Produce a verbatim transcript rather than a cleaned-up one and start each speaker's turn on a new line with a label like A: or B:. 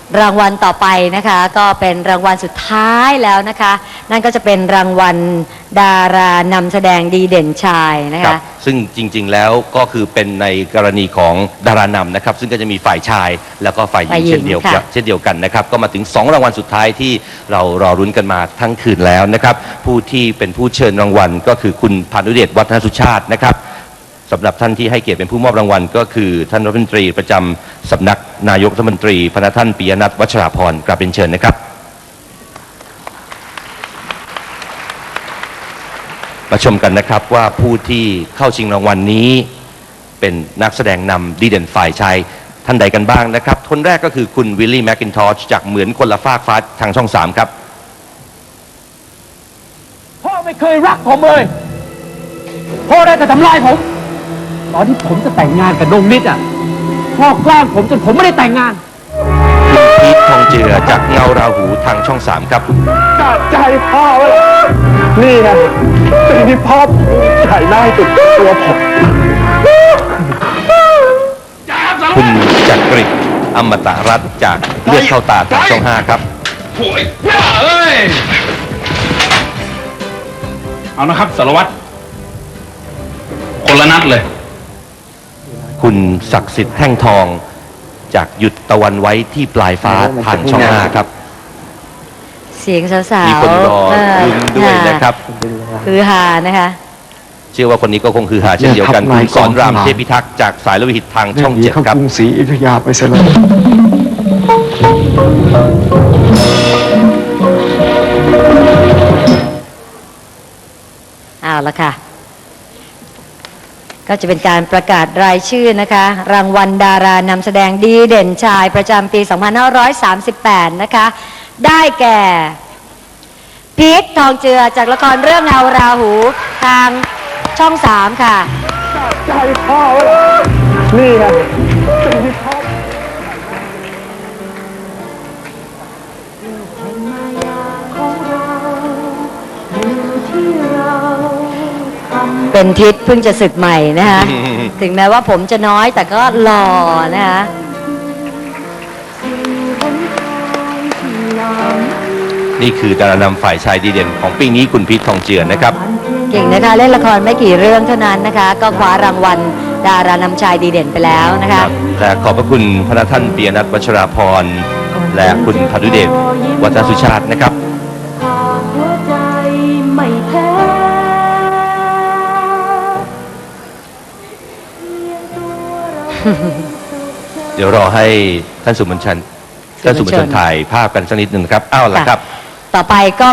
A: รางวัลต่อไปนะคะก็เป็นรางวัลสุดท้ายแล้วนะคะนั่นก็จะเป็นรางวัลดารานำแสดงดีเด่นชายนะ
B: ครั
A: คะ
B: บซึ่งจริงๆแล้วก็คือเป็นในกรณีของดารานำนะครับซึ่งก็จะมีฝ่ายชายแล้วก็ฝ่ายหญิ
A: ฝ่าย
B: ง
A: หญิง
B: เช่นเดียวกัน
A: ค่ะ
B: เช่นเดียวกันนะครับก็มาถึงสองรางวัลสุดท้ายที่เรารอรุ้นกันมาทั้งคืนแล้วนะครับผู้ที่เป็นผู้เชิญรางวัลก็คือคุณพานุเดชวัฒนสุชาตินะครับสำหรับท่านที่ให้เกียรติเป็นผู้มอบรางวัลก็คือท่านรัฐมนตรีประจำสำนักนายกรัฐมนตรีพระท่านปิยนัทวัชราพรกราบเป็นเชิญนะครับมาชมกันนะครับว่าผู้ที่เข้าชิงรางวัลนี้เป็นนักแสดงนำดีเด่นฝ่ายชายท่านใดกันบ้างนะครับคนแรกก็คือคุณวิลลี่แมคกินทอชจากเหมือนคนละฟากฟ้าทางช่องสามครับ
C: พ่อไม่เคยรักผมเลยพ่อได้แต่ทำลายผม ตอนที่ผมจะแต่งงานกับนงนิดอ่ะพ่อแกล้งผมจนผมไม่ได้แต่งงาน
B: คุณพีททองเจือจากเงาราหูทางช่องสามครับ
D: ตัดใจพ่อไว้นี่นะสิ่งที่พ่อภูมิใจได้สุดตัวผม
B: คุณจักริดอมตะรัตน์จากเลือดเข้าตาทางช่องห้าครับ
E: โอ้ยบ้าเอ้ย เอานะครับสารวัตรคนละนัดเลย
B: คุณศักดิ์สิทธิ์แท่งทองจากหยุดตะวันไว้ที่ปลายฟ้าทางช่องห้าครับ
A: เสียงสาวๆ
B: มีคนรอ
A: เ
B: ลุ้นด้วยนะครับ
A: คือฮานะคะ
B: เชื่อว่าคนนี้ก็คงคือหาเช่นเดียวกัน
D: เนี่ย
B: คุณสอนราม
D: ครับ
B: เทพิทักษ์จากสายโลหิตทางช่อง
D: หนี
B: เจ็ด
D: เข้า
B: ครับ
D: กรุงศรีอยุธยาไปซะแล้ว
A: เอาละค่ะ ก็จะเป็นการประกาศรายชื่อนะคะ รางวัลดารานำแสดงดีเด่นชายประจำปี สองพันห้าร้อยสามสิบแปด นะคะ ได้แก่พีททองเจือจากละครเรื่องเงาราหูทางช่องสามค่ะ
D: ใจพ่อไว้นี่นะสิ่งที่พ่อ
A: เป็นทิศเพิ่งจะศึกใหม่นะคะ ถึงแม้ว่าผมจะน้อยแต่ก็หล่อนะคะ
B: นี่คือดารานำฝ่ายชายดีเด่นของปีนี้คุณพีททองเจือนะครับ
A: เก่งนะคะเล่นละครไม่กี่เรื่องเท่านั้นนะคะ ก็คว้ารางวัลดารานำชายดีเด่นไปแล้วนะคะ
B: และขอบพระคุณพระท่านปิยนัทวัชราพรและคุณพานุเดชวัฒนสุชาตินะครับ
F: หัวใจไม่แพ้
B: เดี๋ยวรอให้ท่านสุมนชันท่านสุมนชันถ่ายภาพกันสักนิดหนึ่งนะครับอ้าวละครับ
A: ต่อไปก็